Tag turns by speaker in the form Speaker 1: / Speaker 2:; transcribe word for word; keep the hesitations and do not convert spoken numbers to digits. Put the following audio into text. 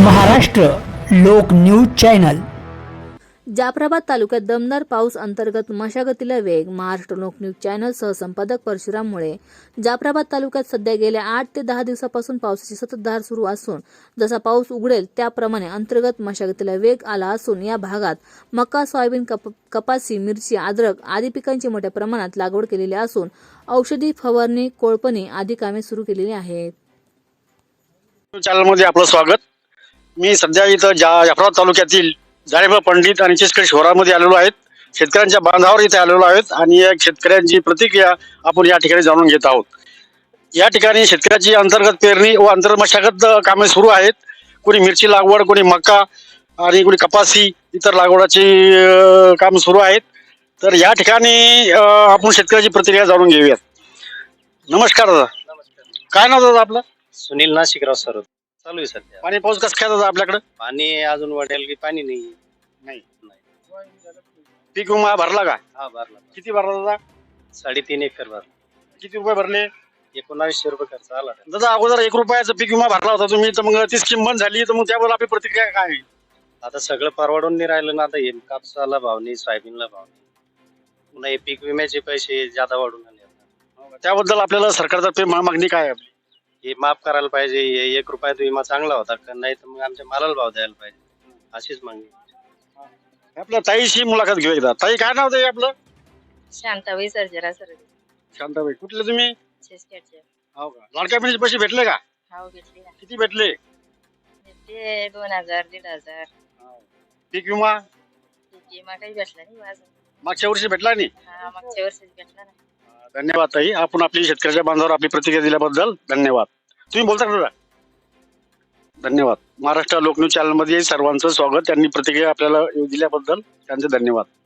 Speaker 1: महाराष्ट्र लोक news channel.
Speaker 2: Jafrabad तालुक्यात दमदार पाऊस अंतर्गत मशागतीला वेग. महाराष्ट्र लोक न्यूज चॅनल सहसंपादक परशुराम मुळे. जाफराबाद तालुक्यात सध्या गेल्या आठ ते दहा दिवसापासून पावसाची संततधार सुरू असून जसा पाऊस उघडेल त्याप्रमाणे अंतर्गत मशागतीला वेग आला असून या भागात मका, सोयाबीन, कप, कपासी, मिरची, अद्रक आदी पिकांची मोठ्या प्रमाणात लागवड केलेली असून औषधी फवारणी, कोळपणी आदी कामे सुरू केलेली आहेत.
Speaker 3: चॅनलमध्ये आपलं स्वागत. मी सध्या इथं जा जाफराबाद तालुक्यातील जाळेबा पंडित आणि चिचखेड शिवारामध्ये आलेलो आहेत. शेतकऱ्यांच्या बांधावर इथे आलेलो आहेत आणि एक शेतकऱ्यांची प्रतिक्रिया आपण या ठिकाणी जाणून घेत आहोत. या ठिकाणी शेतकऱ्याची अंतर्गत पेरणी व अंतर्गत मशागत कामे सुरू आहेत. कोणी मिरची लागवड, कोणी मका आणि कोणी कपासी इतर लागवडाची काम सुरू आहेत. तर या ठिकाणी आपण शेतकऱ्याची प्रतिक्रिया जाणून घेऊयात. नमस्कार दादा.
Speaker 4: नमस्कार.
Speaker 3: काय नाव दादा आपलं?
Speaker 4: सुनील नाशिकराव सर. चालू आहे सध्या.
Speaker 3: पाणी पाऊस कसं काय दादा आपल्याकडे?
Speaker 4: पाणी अजून वाढेल की पाणी नाही.
Speaker 3: नाही. पीक विमा भरला का?
Speaker 4: हा भरला.
Speaker 3: किती भरला दादा?
Speaker 4: साडेतीन एकर भरला.
Speaker 3: किती रुपये भरले?
Speaker 4: एकोणावीसशे रुपये खर्च आला.
Speaker 3: दादा अगोदर एक रुपयाचा पीक विमा भरला होता तुम्ही, तर मग ती स्कीम बंद झाली, तर मग त्याबद्दल आपली प्रतिक्रिया काय आहे?
Speaker 4: आता सगळं परवडून नाही राहिलं ना. आता हे कापसाला भाव नाही, सोयाबीनला भाव नाही, पुन्हा हे पीक विम्याचे पैसे जादा वाढून आले.
Speaker 3: त्याबद्दल आपल्याला सरकारतर्फे मा- मागणी काय आहे आपली?
Speaker 4: हे माफ करायला पाहिजे. हे एक रुपयाचा विमा चांगला होता का नाही, तर मग आमच्या मालाला भाव द्यायला पाहिजे, अशीच मागणी.
Speaker 3: आपल्या ताईशी मुलाखत घेऊ एकदा. ताई काय नाव ताई आपलं?
Speaker 5: शांताबाई सर्जेरा सर.
Speaker 3: शांताबाई. कुठले तुम्ही?
Speaker 5: छेसखेडचे.
Speaker 3: हो का. लाडक्या बहिणीचे पैसे भेटले का?
Speaker 5: हाव घेतली ना.
Speaker 3: किती भेटले?
Speaker 5: ते दोन हजार दीड हजार.
Speaker 3: पीक विमा
Speaker 5: विमा काही भेटला नाही माझं.
Speaker 3: मागच्या वर्षी भेटला नाही?
Speaker 5: हा मागच्या वर्षीच भेटला ना.
Speaker 3: धन्यवाद ताई. आपण आपली शेतकऱ्याच्या बांधावर आपली प्रतिक्रिया दिल्याबद्दल धन्यवाद. तुम्ही बोलता का दादा? धन्यवाद. महाराष्ट्र लोक न्यूज चॅनलमध्ये सर्वांचं स्वागत. त्यांनी प्रतिक्रिया आपल्याला दिल्याबद्दल त्यांचे धन्यवाद.